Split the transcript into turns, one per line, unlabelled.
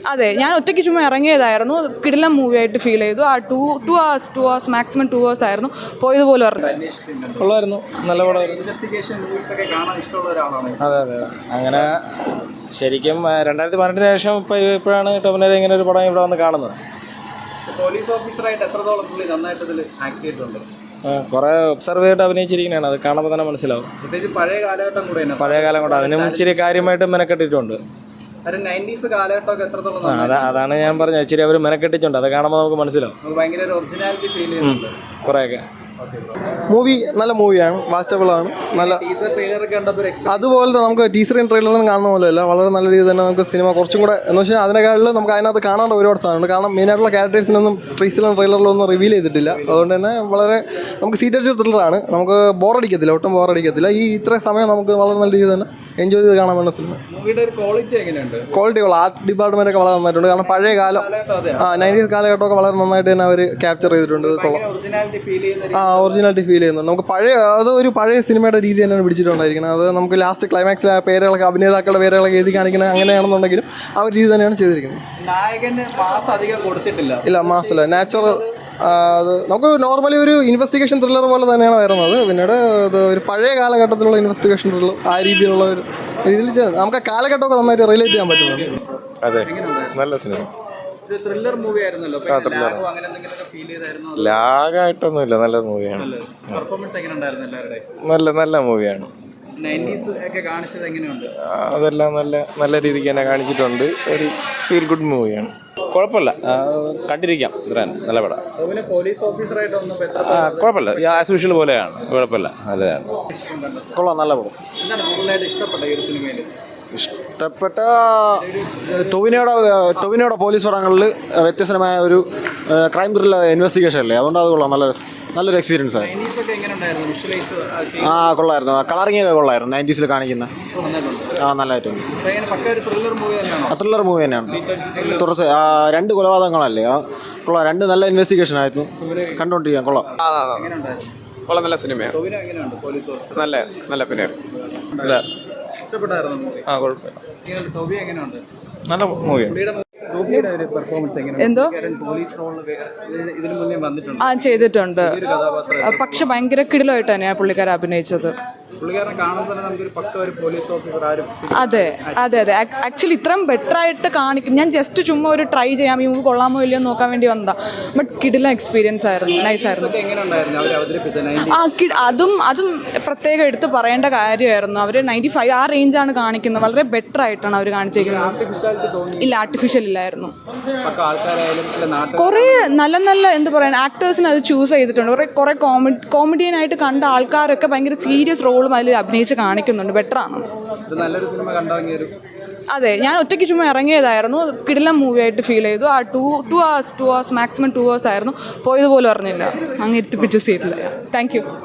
അതെ, ഞാൻ ഒറ്റയ്ക്ക് ചുമ്മാ ഇറങ്ങിയതായിരുന്നു. കിടിലം മൂവി ആയിട്ട് ഫീൽ ചെയ്തു. ആ 2 hours മാക്സിമം 2 hours ആയിരുന്നു. പോയതുപോലെ പറഞ്ഞു.
ഉള്ളായിരുന്നു, നല്ല പടം. അതെ അതെ, അങ്ങനെ ശരിക്കും 2018 ശേഷം ഇപ്പോഴാണ് ടോവിനോ ഇങ്ങനെ ഒരു പടം ഇവിടെ വന്ന് കാണുന്നത്.
പോലീസ് ഓഫീസറായിട്ട് എത്രത്തോളം പുള്ളി നന്നായിട്ട് ആക്ട് ചെയ്തിട്ടുണ്ട്?
കുറേ ഒബ്സർവ് ചെയ്തിട്ട് അഭിനയിച്ചിരിക്കുന്നതാണ്, അത് കാണുമ്പോൾ തന്നെ മനസ്സിലാവും.
പ്രത്യേകിച്ച് പഴയ കാലഘട്ടം കൂടെ
പഴയ കാലം കൊണ്ട് അതിനും ഇച്ചിരി കാര്യമായിട്ട് മെനക്കെട്ടിട്ടുണ്ട്.
90s കാലഘട്ടമൊക്കെ എത്രത്തോളം
അതാണ് ഞാൻ പറഞ്ഞത്, ഇച്ചിരി അവർ മെനക്കെട്ടിട്ടുണ്ട്, അത് കാണുമ്പോൾ നമുക്ക് മനസ്സിലാവും.
ഭയങ്കര ഒരു ഒറിജിനാലിറ്റി ഫീൽ ചെയ്യുന്നുണ്ട്
കുറേയൊക്കെ.
മൂവി നല്ല മൂവിയാണ്, വാച്ചബിളാണ്. നല്ല അതുപോലത്തെ നമുക്ക് ടീസറും ട്രെയിലറും കാണുന്ന പോലെയല്ല, വളരെ നല്ല രീതിയിൽ തന്നെ നമുക്ക് സിനിമ കുറച്ചും കൂടെ എന്ന് വെച്ചാൽ അതിനേക്കാളും നമുക്ക് അതിനകത്ത് കാണേണ്ട ഒരുപാട് സാധനമുണ്ട്. കാരണം മെയിനായിട്ടുള്ള ക്യാരക്ടേഴ്സിനൊന്നും ടീസറിലും ട്രെയിലറിലും ഒന്നും റിവീൽ ചെയ്തിട്ടില്ല. അതുകൊണ്ട് തന്നെ വളരെ നമുക്ക് സീറ്റഡ് ത്രില്ലറാണ്, നമുക്ക് ബോറടിക്കത്തില്ല, ഒട്ടും ബോറടിക്കത്തില്ല. ഇത്രയും സമയം നമുക്ക് വളരെ നല്ല രീതിയിൽ തന്നെ എൻജോയ് ചെയ്ത് കാണാൻ വേണ്ട സിനിമ. ക്വാളിറ്റി ഉള്ള ആർട്ട് ഡിപ്പാർട്ട്മെൻ്റ് ഒക്കെ വളരെ നന്നായിട്ടുണ്ട്. കാരണം പഴയ കാലം 90s കാലഘട്ടമൊക്കെ വളരെ നന്നായിട്ട് തന്നെ അവർ ക്യാപ്ചർ ചെയ്തിട്ടുണ്ട്. ഒറിജിനാലിറ്റി ഫീൽ ചെയ്യുന്നുണ്ട്. നമുക്ക് ഒരു പഴയ സിനിമയുടെ രീതി തന്നെയാണ് പിടിച്ചിട്ടുണ്ടായിരിക്കുന്നത്. അത് നമുക്ക് ലാസ്റ്റ് ക്ലൈമാക്സിൽ ആ പേരുകളൊക്കെ അഭിനേതാക്കളുടെ പേരുകളൊക്കെ എഴുതി കാണിക്കുന്നത് അങ്ങനെയാണെന്നുണ്ടെങ്കിലും ആ ഒരു രീതി തന്നെയാണ് ചെയ്തിരിക്കുന്നത്. ഇല്ല, മാസല്ല, നാച്ചുറൽ. അത് നമുക്ക് നോർമലി ഒരു ഇൻവെസ്റ്റിഗേഷൻ ത്രില്ലർ പോലെ തന്നെയാണ് വരുന്നത്. പിന്നീട് അത് ഒരു പഴയ കാലഘട്ടത്തിലുള്ള ഇൻവെസ്റ്റിഗേഷൻ ത്രില്ലർ ആ രീതിയിലുള്ള ഒരു രീതിയിൽ നമുക്ക് ആ കാലഘട്ടമൊക്കെ നന്നായിട്ട് റിലേറ്റ് ചെയ്യാൻ പറ്റുന്നുണ്ട്.
അതെ, നല്ല സിനിമ. ലാഗായിട്ടൊന്നുമില്ല, നല്ല മൂവിയാണ്. നല്ല മൂവിയാണ്. അതെല്ലാം നല്ല രീതിക്ക് തന്നെ കാണിച്ചിട്ടുണ്ട്. ഒരു ഫീൽ ഗുഡ് മൂവിയാണ്. കുഴപ്പമില്ല, കണ്ടിരിക്കാം. നല്ല പടം. കുഴപ്പമില്ല, ആസ് യൂഷ്വൽ പോലെയാണ്. കുഴപ്പമില്ല, നല്ലതാണ്.
കൊള്ളാം, നല്ല പടം. ഇഷ്ടപ്പെട്ട ടൊവിനോയുടെ പോലീസ് പടങ്ങളിൽ വ്യത്യസ്തമായ ഒരു ക്രൈം ത്രില്ലർ ഇൻവെസ്റ്റിഗേഷൻ അല്ലേ, അതുകൊണ്ട് അത് കൊള്ളാം. നല്ലൊരു എക്സ്പീരിയൻസ് ആയിരുന്നു. കൊള്ളായിരുന്നു. കളറിംഗ് ഒക്കെ കൊള്ളായിരുന്നു. 90s കാണിക്കുന്ന നല്ലതായിട്ടുണ്ട്. ത്രില്ലർ മൂവി തന്നെയാണ്. കുറച്ച് 2 കൊലപാതകങ്ങളല്ലേ, കൊള്ളാം. 2 നല്ല ഇൻവെസ്റ്റിഗേഷൻ ആയിരുന്നു, കണ്ടുകൊണ്ടിരിക്കാൻ കൊള്ളാം.
നല്ല സിനിമയാണ്. നല്ല പിന്നെ നല്ല മൂവിയാണ്.
എന്തോ ചെയ്തിട്ടുണ്ട്, പക്ഷെ ഭയങ്കര കിടിലമായിട്ട് തന്നെയാണ് പുള്ളിക്കാരൻ അഭിനയിച്ചത്. അതെ അതെ അതെ, ആക്ച്വലി ഇത്രയും ബെറ്റർ ആയിട്ട് കാണിക്കും. ഞാൻ ജസ്റ്റ് ചുമ്മാ ഒരു ട്രൈ ചെയ്യാം, ഈ മൂവി കൊള്ളാമോ ഇല്ലയോ നോക്കാൻ വേണ്ടി വന്നതാ. ബട്ട് കിടിലം എക്സ്പീരിയൻസ് ആയിരുന്നു, നൈസായിരുന്നു. അതും പ്രത്യേകം എടുത്ത് പറയേണ്ട കാര്യമായിരുന്നു. അവർ 95 ആ റേഞ്ചാണ് കാണിക്കുന്നത്. വളരെ ബെറ്റർ ആയിട്ടാണ് അവർ കാണിച്ചിരിക്കുന്നത്. ഇല്ല, ആർട്ടിഫിഷ്യൽ ഇല്ലായിരുന്നു. കുറേ നല്ല എന്താ പറയുക, ആക്ടേഴ്സിന് അത് ചൂസ് ചെയ്തിട്ടുണ്ട്. കുറേ കോമഡിയനായിട്ട് കണ്ട ആൾക്കാരൊക്കെ ഭയങ്കര സീരിയസ് റോളും അതിൽ അഭിനയിച്ച് കാണിക്കുന്നുണ്ട്. ബെറ്ററാണ്. അതെ, ഞാൻ ഒറ്റയ്ക്ക് ചുമ്മാ ഇറങ്ങിയതായിരുന്നു. കിടിലം മൂവി ആയിട്ട് ഫീൽ ചെയ്തു. ആ 2 hours മാക്സിമം 2 hours ആയിരുന്നു. പോയതുപോലെ പറഞ്ഞില്ല, അങ്ങ് എത്തിപ്പിച്ചു സീറ്റിൽ. Thank U.